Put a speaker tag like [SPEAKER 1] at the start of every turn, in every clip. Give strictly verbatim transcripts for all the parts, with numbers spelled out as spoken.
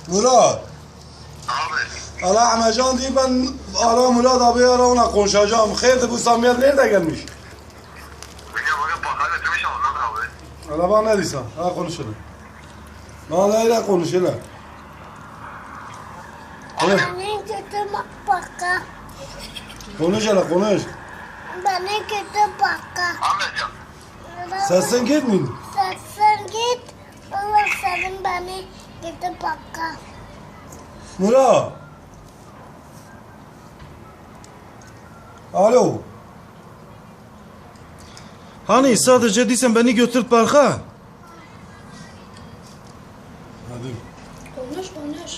[SPEAKER 1] Murat.
[SPEAKER 2] Abi.
[SPEAKER 1] Allah Ahmetcan diye ben ara Murat abi ara ona konuşacağım. Hayırdır bu Samiyet nerede gelmiş?
[SPEAKER 2] Bugün bugün bakar götürmüş ondan abi.
[SPEAKER 1] Allah bana ne diyorsun? Ha konuşalım. Bana öyle konuşalım. Konuş.
[SPEAKER 3] Beni kötü baka.
[SPEAKER 1] Konuş hele konuş.
[SPEAKER 3] Beni kötü baka.
[SPEAKER 2] Ahmetcan.
[SPEAKER 1] Sesin gitmiyor.
[SPEAKER 3] Sen git. Allah senin beni kötü baka.
[SPEAKER 1] Murat. Alo.
[SPEAKER 4] Hani sadece değilsen beni götür parka.
[SPEAKER 1] Hadi.
[SPEAKER 3] Konuş konuş.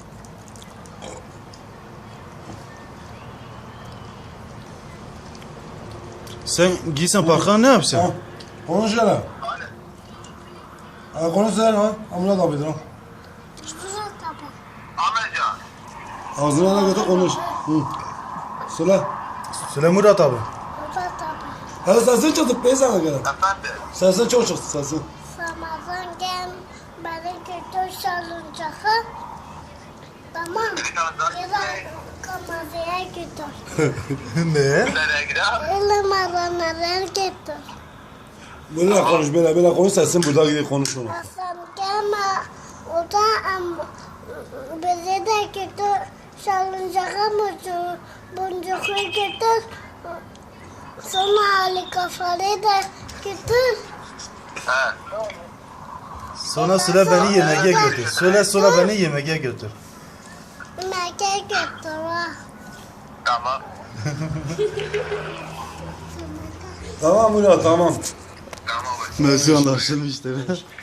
[SPEAKER 4] Sen giysen parka ne
[SPEAKER 1] Ha,
[SPEAKER 4] yapacaksın?
[SPEAKER 1] konuş hele. Ha, konuş sen ha. Ha, Murat abidir ha.
[SPEAKER 3] Güzel tabi.
[SPEAKER 2] Ahmetcan.
[SPEAKER 1] Ağzına da götür konuş. Hı. Söyle.
[SPEAKER 4] Söyle Murat abi.
[SPEAKER 3] Güzel tabi.
[SPEAKER 1] Ha sesin çıktı be sana kadar.
[SPEAKER 2] Efendim.
[SPEAKER 1] Sesin çok çıktı sesin.
[SPEAKER 3] Ramazan gel. Beni kötü salıncağı. Tamam. Gel kamazaya götür.
[SPEAKER 4] Ne?
[SPEAKER 2] Nereye gider?
[SPEAKER 3] Elim alanlara götür.
[SPEAKER 1] Böyle konuş böyle böyle konuş sesin burada gidip konuş onu.
[SPEAKER 3] Hasan gelme. O da am, bizi de götür. Salıncağa mı boncuklu götür. Sonra Ali Kafalı da götür.
[SPEAKER 2] He.
[SPEAKER 4] Sonra söyle beni yemeğe götür. Söyle sonra beni yemeğe götür.
[SPEAKER 3] Mekke götür ha.
[SPEAKER 2] Tamam.
[SPEAKER 1] Tamam Murat tamam.
[SPEAKER 2] Tamam abi.
[SPEAKER 4] Mersi anlaşılmıştır.